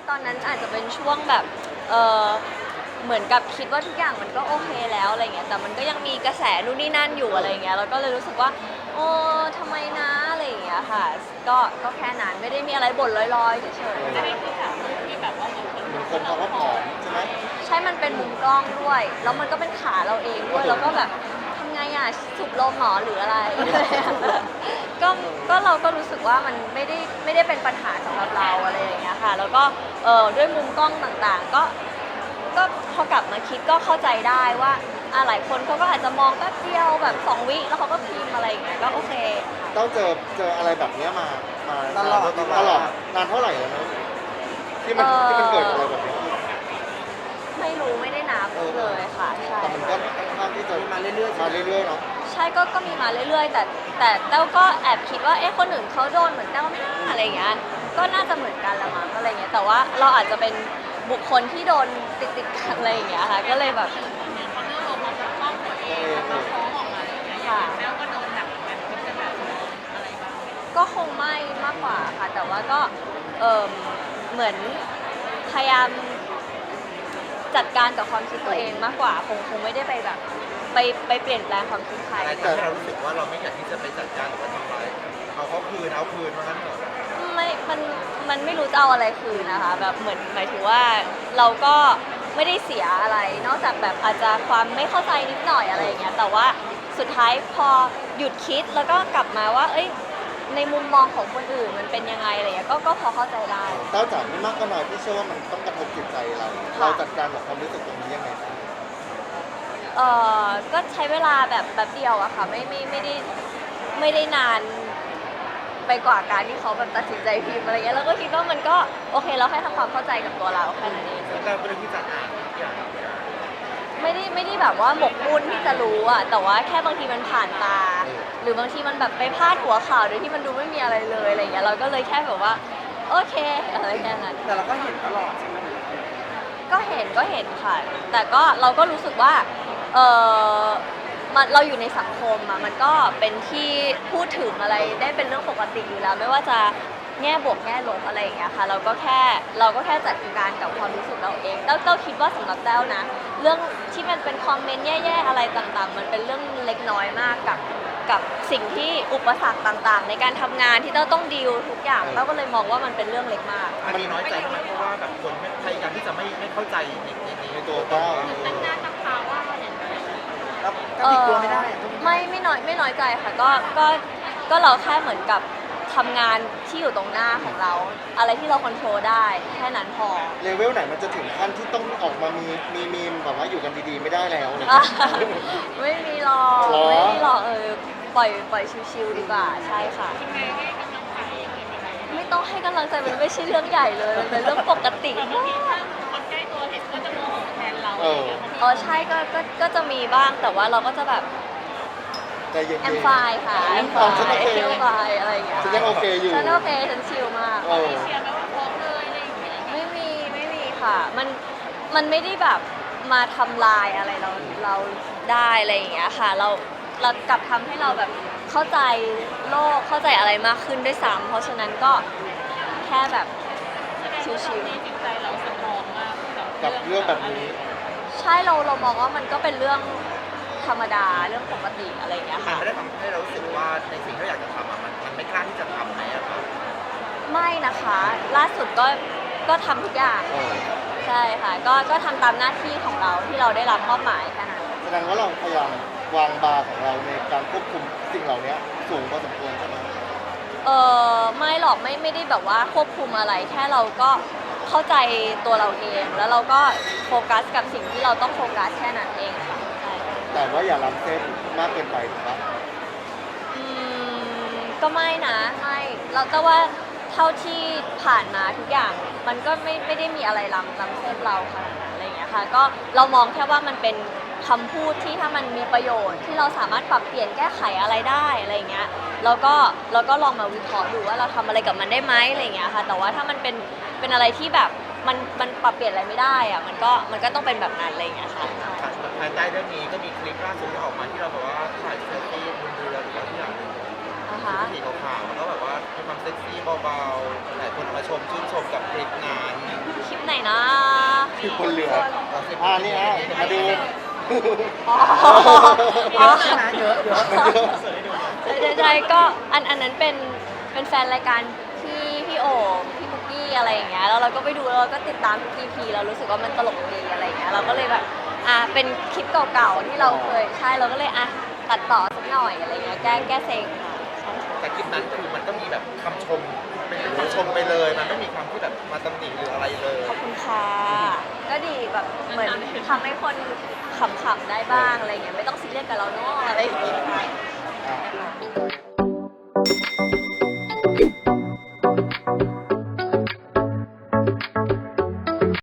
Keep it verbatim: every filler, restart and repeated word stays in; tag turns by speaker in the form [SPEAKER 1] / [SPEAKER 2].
[SPEAKER 1] ตอนนั้นอาจจะเป็นช่วงแบบเออเหมือนกับคิดว่าทุกอย่างมันก็โอเคแล้วอะไรเงี้ยแต่มันก็ยังมีกระแสนู่นนี่นั่นอยู่อะไรเงี้ยแล้วก็เลยรู้สึกว่าโอ้ทำไมนะอะไรอย่างเงี้ยค่ะก็ก็แค่นั้นไม่ได้มีอะไรบ่นลอยๆเฉยๆ
[SPEAKER 2] จะได้ที่แบบที่แบบว่าเหมือนคน
[SPEAKER 3] เหมือนคนเขาก็ผอมใช่ไหม
[SPEAKER 1] ใช่มันเป็นมุมกล้องด้วย แล้วมันก็เป็นขาเราเองด้วย แล้วก็แบบทำไงอ่ะสูบลมหมอหรืออะไร ก็ก็เราก็รู้สึกว่ามันไม่ได้ไม่ได้เป็นปัญหาสำหรับเราอะไรอย่างเงี้ยค่ะ แล้วก็เออด้วยมุมกล้องต่างๆ ก็ก็พอกลับมาคิดก็เข้าใจได้ว่าอ่ะหลายคนเขาก็อาจจะมองแป๊บเดียวแบบสองวิแล้วเขาก็พิมพ์อะไรอย่างเงี้ยก็โอเค
[SPEAKER 3] เต้าเจอเจออะไรแบบเนี้ยมามา
[SPEAKER 4] ตลอด
[SPEAKER 3] ตลอดนานเท่าไหร่แล้วนะที่มัน
[SPEAKER 1] เอ่อ
[SPEAKER 3] ที่มันเกิดอะไรแบบนี้
[SPEAKER 1] ไม่รู้ไม่ได้นับเลยค่ะใช่
[SPEAKER 3] แต่มันก็ค่อนข้างที่จะ
[SPEAKER 4] มาเรื่อยๆ
[SPEAKER 3] มาเรื่อยๆเนาะ
[SPEAKER 1] ใช่ก็ก็มีมาเรื่อยๆ แต่แต่แต้วก็แอบคิดว่าเอ๊ะคนอื่นเขาโดนเหมือนแต้วไหม่น่าอะไรอย่างเงี้ยก็น่าจะเหมือนกันละมั้งอะไรเงี้ยแต่ว่าเราอาจจะเป็นบุคคลที่โดนติดติดๆกันอะไรอย่างเงี้ยค่ะก็เลยแบบ
[SPEAKER 2] เขาเลือกลงมาปกป้องตัวเองแล้วก็ฟ้องออกมาอะไรอย่างเงี้ยอย่างแต้วก็โดนหนักเหมือนกันคิดจะแบบอะไรบ้าง
[SPEAKER 1] ก็คงไม่มากกว่าค่ะ แต่ว่าก็เออเหมือนพยายามจัดการกับความคิดตัวเองมากกว่าคงคงไม่ได้ไปแบบไปไปเปลี่ยนแปลงความคิดใคร
[SPEAKER 4] อะไรทำให้เรารู้สึกว่าเราไม่อยากที่จะไปจัดการหรือว่าทำร้ายเอาเขาคืนเอาคืนว่างั้นเถอะ
[SPEAKER 1] ไม่ มัน มันไม่รู้จะเอาอะไรคืนนะคะ แบบเหมือนหมายถึงว่าเราก็ไม่ได้เสียอะไร นอกจากแบบอาจจะความไม่เข้าใจนิดหน่อยอะไรอย่างเงี้ย แต่ว่าสุดท้ายพอหยุดคิดแล้วก็กลับมาว่า เอ้ย ในมุมมองของคนอื่นมันเป็นยังไงอะไรเงี้ย ก็ก็พอเข้าใจได้
[SPEAKER 3] เต้าจ๋าไม่มากก็น้อยพี่เชื่อว่ามันต้องกระทบจิตใจเรา เราจัดการกับความรู้สึกตรงนี้ยังไงบ้าง
[SPEAKER 1] เออก็ใช้เวลาแบบแป๊บเดียวอะค่ะ ไม่ไม่ไม่ได้ไม่ได้นานไปกว่าการที่เขาแบบตัดสินใจพิมพ์อะไรเงี้ย แล้วก็คิดว่ามันก็โอเคเราแค่ทำความเข้าใจกับตัวเราแค่นั้นเอง
[SPEAKER 4] แล้วก็เรื่องที่จะอ่านทุกอย่าง
[SPEAKER 1] ไม่ได้ไม่ได้แบบว่าหมกมุ่นที่จะรู้อะแต่ว่าแค่บางทีมันผ่านตา หรือบางทีมันแบบไปพาดหัวข่าวโดยที่มันดูไม่มีอะไรเลยอะไรอย่างเงี้ยเราก็เลยแค่แบบว่าโอเคอะไรแค่นั้น
[SPEAKER 4] แต่เราก็เห็นตลอดใช่ไหม
[SPEAKER 1] ก็เห็นก็เห็นค่ะ แต่ก็เราก็รู้สึกว่าเออมันเราอยู่ในสังคมอะมันก็เป็นที่พูดถึงอะไรได้เป็นเรื่องปกติอยู่แล้ว ไม่ว่าจะแง่บวกแง่ลบอะไรอย่างเงี้ยค่ะเราก็แค่เราก็แค่จัดการกับความรู้สึกเราเองแต้วแต้วคิดว่าสำหรับแต้วนะ เรื่องที่มันเป็นคอมเมนต์แย่ๆอะไรต่างๆ มันเป็นเรื่องเล็กน้อยมากกับกับสิ่งที่อุปสรรคต่างๆ ในการทำงานที่แต้วต้องดีลทุกอย่างแต้วก็เลยมองว่ามันเป็นเรื่องเล็กมาก
[SPEAKER 4] มันมีน้อยใจทำไมเพราะว่าแบบคนไม่พยายามที่จะไม่ไม่เข้าใจในในใน
[SPEAKER 3] ในตัวเต้า
[SPEAKER 2] ตั้งหน้าตั้งตาว่าอย่างไร
[SPEAKER 4] แล้วก็ติดตัวไม่ได้
[SPEAKER 1] ไม่ไม่น้อยไม่น้อยใจค่ะก็ก็ก็เราแค่เหมือนกับทำงานที่อยู่ตรงหน้าของเรา อะไรที่เราควบคุมได้แค่นั้นพอ
[SPEAKER 3] เลเวลไหนมันจะถึงขั้นที่ต้องออกมามีมีมีมแบบว่าอยู่กันดีๆไม่ได้แล้วอะไร
[SPEAKER 1] อ่ะ
[SPEAKER 3] เงี้ย
[SPEAKER 1] ไม่มีหรอก
[SPEAKER 3] หรอ
[SPEAKER 1] ไม่มีหรอกเออปล่อยปล่อยชิวๆดีกว่าใช่ค่ะ
[SPEAKER 2] ยังไงให้กำลังใจอย่างนี้ไหมคะ
[SPEAKER 1] ไม่ต้องให้กำลังใจมันไม่ใช่เรื่องใหญ่เลยมันเป็นเรื่องปกติ
[SPEAKER 2] บาง
[SPEAKER 1] มา
[SPEAKER 2] ทีถ้าก คนใกล้ตัวเห็นก็จะโมโหแทนเราอะไรอย่างเงี้ย
[SPEAKER 1] เออใช่ก็ก็ก็จะมีบ้างแต่ว่าเราก็จะแบบ
[SPEAKER 3] ใจเย็นๆ
[SPEAKER 1] แอมไฟค่ะแอมไฟ
[SPEAKER 3] อ๋อฉันโอเค
[SPEAKER 1] แอมไฟอะไรอย่างเงี้ย
[SPEAKER 3] ฉันยังโอเคอยู่
[SPEAKER 1] ฉันโอเคฉันชิลมาก
[SPEAKER 3] เออ
[SPEAKER 2] เชียร์ไหมว่าฟ้องเลยอะไรอย่างเงี้ย
[SPEAKER 1] ไม่มีไม่มีค่ะ มันมันไม่ได้แบบมาทำลายอะไรเราเราได้อะไรอย่างเงี้ยค่ะ เราเรากลับทำให้เราแบบเข้าใจโลกเข้าใจอะไรมากขึ้นด้วยซ้ำเพราะฉะนั้นก็แค่แบบ
[SPEAKER 2] แสดงว่าตอนนี้จิตใจเราสตรองมาก
[SPEAKER 3] กับเรื่องแบบนี้
[SPEAKER 1] ใช่เราเรามองว่ามันก็เป็นเรื่องธรรมดาเรื่องปกติอะไรอย่างเงี้ย
[SPEAKER 4] มัน
[SPEAKER 1] ค่ะ
[SPEAKER 4] ไม่ได้ทำให้เรารู้สึกว่าในสิ่งที่เราอยากจะทำอ่ะมันมันไม่กล้าที่จะทำไหมอะครับ
[SPEAKER 1] ไม่นะคะ ล่าสุดก็ก็ทำทุกอย่าง
[SPEAKER 3] เออ
[SPEAKER 1] ใช่ค่ะ ก็ก็ทำตามหน้าที่ของเราที่เราได้รับมอบหมายแค่นั้น
[SPEAKER 3] แสดงว่าเราพยายามวางบาร์ของเราในการควบคุมสิ่งเหล่านี้สูงพอสมควรใช่ไหม
[SPEAKER 1] เออไม่หรอกไม่ไม่ได้แบบว่าควบคุมอะไร แค่เราก็เข้าใจตัวเราเอง แล้วเราก็โฟกัสกับสิ่งที่เราต้องโฟกัสแค่นั้นเองค่ะใช่
[SPEAKER 3] แต่ว่าอย่าล้ำเส้นมากเกินไปถูกปะ
[SPEAKER 1] อืมก็ไม่นะไม่เราแต่ว่าเท่าที่ผ่านมาทุกอย่าง มันก็ไม่ไม่ได้มีอะไรล้ำล้ำเส้นเราขนาดนั้นอะไรอย่างเงี้ยค่ะก็เรามองแค่ว่ามันเป็นคำพูดที่ถ้ามันมีประโยชน์ที่เราสามารถปรับเปลี่ยนแก้ไขอะไรได้อะไรอย่างเงี้ยแล้วก็เราก็ลองมาวิเคราะห์ดูว่าเราทำอะไรกับมันได้ไหมอะไรอย่างเงี้ยค่ะแต่ว่าถ้ามันเป็นเป็นอะไรที่แบบมันมันปรับเปลี่ยนอะไรไม่ได้อะมันก็มันก็ต้องเป็นแบบนั้นอะไรอย่างเงี้ยค่ะ
[SPEAKER 4] ภายใต้เรื่องนี้ก็มีคลิปล่าสุดที่ออกมาที่เราแบบว่าถ่ายเซลฟี่บนเรือหรืออะไรที่อย่างหนึ่ง
[SPEAKER 1] อ่า
[SPEAKER 4] ชุ
[SPEAKER 1] ฮะ
[SPEAKER 4] ดสีขาวๆแล้วก็แบบว่ามีความเซ็กซี่เบาๆหลายคนมาชมชื่นชมกับคลิปงาน
[SPEAKER 3] คือคนเหลืออ่านี่ฮะมาดู
[SPEAKER 1] อ๋ออ๋อ
[SPEAKER 4] เยอะเยอะ
[SPEAKER 1] ใช่ใช่ใช่ก็อันอันนั้นเป็นเป็นแฟนรายการพี่พี่โอพี่คุกกี้อะไรอย่างเงี้ยแล้วเราก็ไปดูแล้วเราก็ติดตามทุก อี พี เรารู้สึกว่ามันตลกดีอะไรอย่างเงี้ยเราก็เลยแบบอ่ะเป็นคลิปเก่าๆที่เราเคยใช่เราก็เลยอ่ะตัดต่อสักหน่อยอะไรเงี้ยแก้แก้เซ็งค่ะ
[SPEAKER 4] แต่คลิปนั้นคือมันก็มีแบบคำชมเป็นคำชมไปเลย มันไม่มีคำที่แบบมาตำหนิหรืออะไรเลย
[SPEAKER 1] ขอบคุณค่ะก็ดีแบบเหมือนทำให้คนขำๆได้บ้างอะไรเงี้ยไม่ต้องซีเรียสกับเราเนาะอะไรอย่างเงี้ย
[SPEAKER 3] อ่ะ